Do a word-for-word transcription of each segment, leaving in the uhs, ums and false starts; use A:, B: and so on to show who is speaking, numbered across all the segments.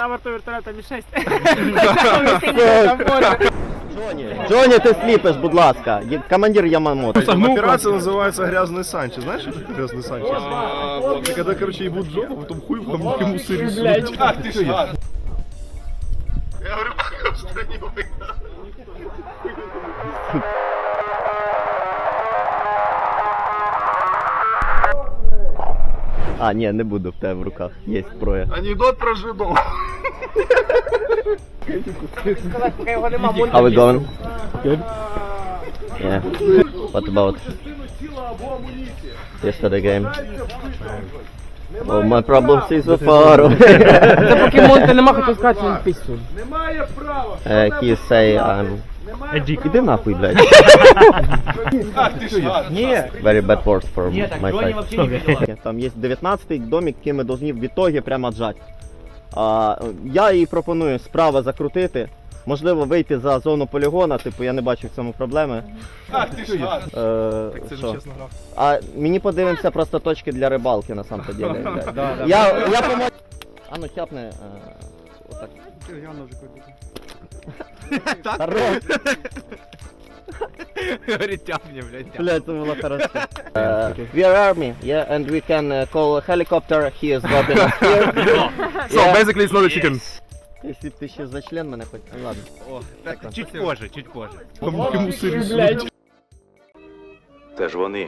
A: на борту вертольота Мі шесть.
B: Джоні, Джоні, ти сліпиш, будь ласка. Є- Командир Ямамото.
C: Операция называется «Грязный Санчес». Знаешь, что такое «Грязный Санчес»? Это когда, короче, ебут жопу, потом хуй в хамнике мусоры сунуть.
A: Ах ти ж гад.
C: Я говорю, в стране война.
B: А, ні, не буду в тебе в руках. Є зброя.
C: Анекдот про жидов.
A: Сказати, поки його нема,
B: How we going? Good? Yeah. What about yesterday game? Oh, my problems is so far away.
A: Це покемон, ти нема хотів сказати, він пісню.
B: Uh, he say I'm... Іди нахуй, блядь.
C: Ах ти ж гад.
B: Very bad words for my side. Там є дев'ятнадцятий домик, який ми повинні в ітогі прямо отжати. А, я їй пропоную справа закрутити. Можливо, вийти за зону полігона, типу я не бачу в цьому проблеми.
C: Ах ти ж гад.
B: Е, що? А мені подивимося просто точки для рибалки на самом деле. Я, я помо... А ну тяпни. Е, отак. Хорош.
A: Говорить, тяпні, блядь.
B: Блядь, це було хорошо. Uh, we are army, yeah, and we can uh, call a helicopter. He is dropping us here.
C: So basically it's not a chicken.
B: Якщо б ти ще за член мене хоч... Ну ладно.
A: Так, чуть позже, чуть позже.
C: Хамнике мусоры сунуть.
D: Це ж вони.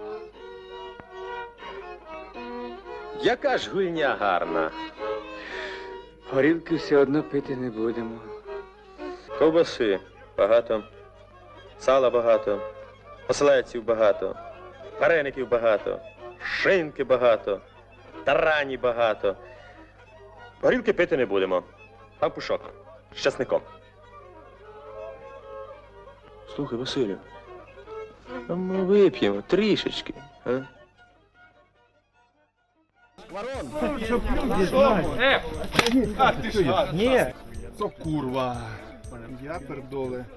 D: Яка ж гульня гарна.
E: Горілки все одно пити не будемо.
D: Ковбаси багато, сала багато, оселедців багато, вареників багато, шинки багато, тарані багато. Горілки пити не будемо. Там пушок з часником. Слухай, Василю, а ми вип'ємо трішечки, а?
C: Ах ти ж гад. Ні. Це курва. Я пердоли.